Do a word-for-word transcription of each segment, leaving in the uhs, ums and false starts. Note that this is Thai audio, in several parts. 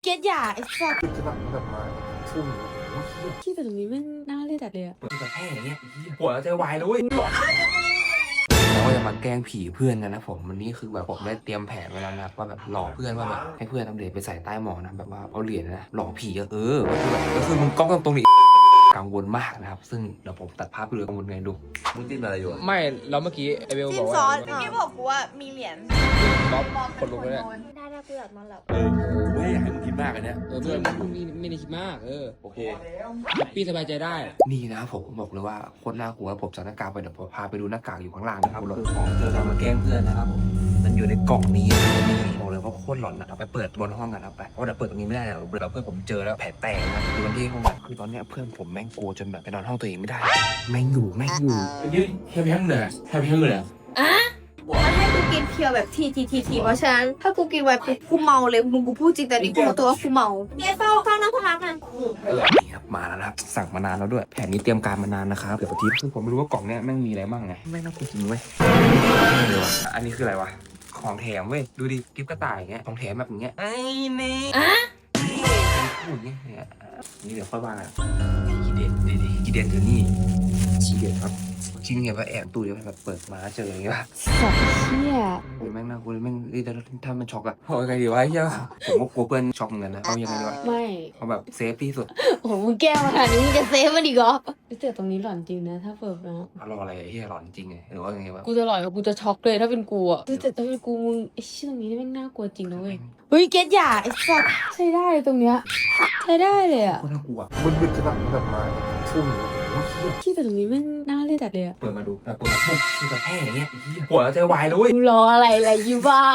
เก็ตอย่าไอ้สัสจะแบบแบบมาทุ่มที่แต่ตรงนี้แม่งน่าเล่นจัดเลยอะเปิดกระแพงอย่างเงี้ยหัวใจวายเลยเว้ยเราก็จะมาแกล้งผีเพื่อนกันนะผมวันนี้คือแบบผมได้เตรียมแผนไว้แล้วนะว่าแบบหลอกเพื่อนว่าแบบให้เพื่อนทำเหรียญไปใส่ใต้หมอนนะแบบว่าเอาเหรียญนะหลอกผีอะเออก็คือมึงกล้องตรงนี้กังวลมากนะครับซึ่งเดี๋ยวผมตัดภาพไปเลยกังวลไงดูมึงจิ้นอะไรอยู่ไม่แล้วเมื่อกี้ไอเบลจิ้บมอกซอว่าสพี่บอกกูว่ามีเหรียญก๊อฟคนลุกเลยเนี่ยได้ได้กูอยากนอนหลับเออกูไม่อยากให้มึงคิดมากอันเนี้ยเออเพื่อนไม่ไม่ได้คิดมากเออโอเคแฮปปี้สบายใจได้นี่นะครับผมบอกเลยว่าโคตรน่ากลัวผมใส่หน้ากากไปเดี๋ยวผมพาไปดูหน้ากากอยู่ข้างล่างนะครับรถของเธอทำมาแกล้งเพื่อนนะครับผมมันอยู่ในกล่องนี้นี่บอกเลยว่าโคตรหลอนนะเอาไปเปิดบนห้องกันเอาไปเพราะเดี๋ยวเปิดตรงนี้ไม่ได้เดี๋ยวเดี๋ยวเพื่อนผมเจอแล้วแผลแตกนะคือวันที่ห้องคือตอนเนี้ยเพื่อนผมแม่งกลัวจนแบบไปนอนห้องตัวเองไม่ได้แม่งอยู่แม่งอยู่ยืดแค่เพียงเหนือแค่เพียงเหนือมันให้กูกินเพียวแบบทีทีทีทีเพราะฉะนั้นถ้ากูกินไว้ปุ๊บกูเมาเลยมึงกูพูดจริงแต่นี่กูรู้ตัวว่ากูเมาเนี่ยเฝ้าเฝ้านั่งพักกันนี่ครับมาแล้วนะครับสั่งมานานแล้วด้วยแผนนี้เตรียมการมานานนะครับเดี๋ยวปฏิคือผมไม่รู้ว่ากล่องเนี้ยแม่งมีอะไรบ้างไงแม่งน่ากลัวจริงเว้ยเลยวะอันนี้คืออะไรวะของแถมเว้ยดูดิกิ๊บกระต่ายอย่างเงี้ยของแถมแบบอย่างเงี้ยไอ้นี่พูดอย่างเงี้ยเนี่ยนี่เดี๋ยวค่อยว่ากันกีเด็ดดีดีกีเด็ดอยู่นี่กีเด็ดครับจริงไงว่าแอบตู้เดียวแบบเปิดมาเจออย่างเงี้ยสัตว์เชี่ยโอ้ยแม่งน่ากลัวแม่งเอ้ยถ้ามันช็อกอะเอายังไงดีวะเฮียผมก็กลัวเพื่อนช็อกเหมือนกันนะเอายังไงดีวะไม่เอาแบบเซฟที่สุดโอ้โหมึงแก้มาขนาดนี้มึงจะเซฟมันอีกเหรอแต่ตรงนี้หลอนจริงนะถ้าเปิดนะเอารออะไรเฮียหลอนจริงไงหรือว่าไงวะกูจะหลอนกับกูจะช็อกเลยถ้าเป็นกูอะแต่ถ้าเป็นกูมึงไอ้เชี่ยตรงนี้นี่แม่งน่ากลัวจริงนะเว้ยเฮ้ยเก็ตอย่าไอ้สัสใช้ได้เลยตรงเนี้ยใช้ได้เลยอะก็น่ากลัวมึนๆจะแบบแบบมาทุ่มที่แต่ตรงนี้แม่งน่าเล่นจัดเลยอะเปิดมาดูเปิดมาปุ๊บคือกระแพงอย่างเงี้ยหัวใจวายเลยเว้ยมึงรออะไรล่ะยูบ้า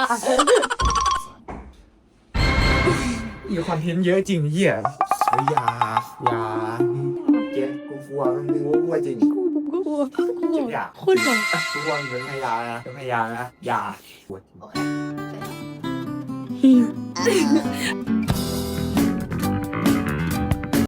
มีคอนเทนต์เยอะจริงเหี้ยอย่าอย่าเจ๊กูกลัวมึงรู้ว่าจริงกูกูกลัวกูกลัวอย่าโคตรหลอนทุกวันเป็นพยานะเป็นพยานะอย่าโอเค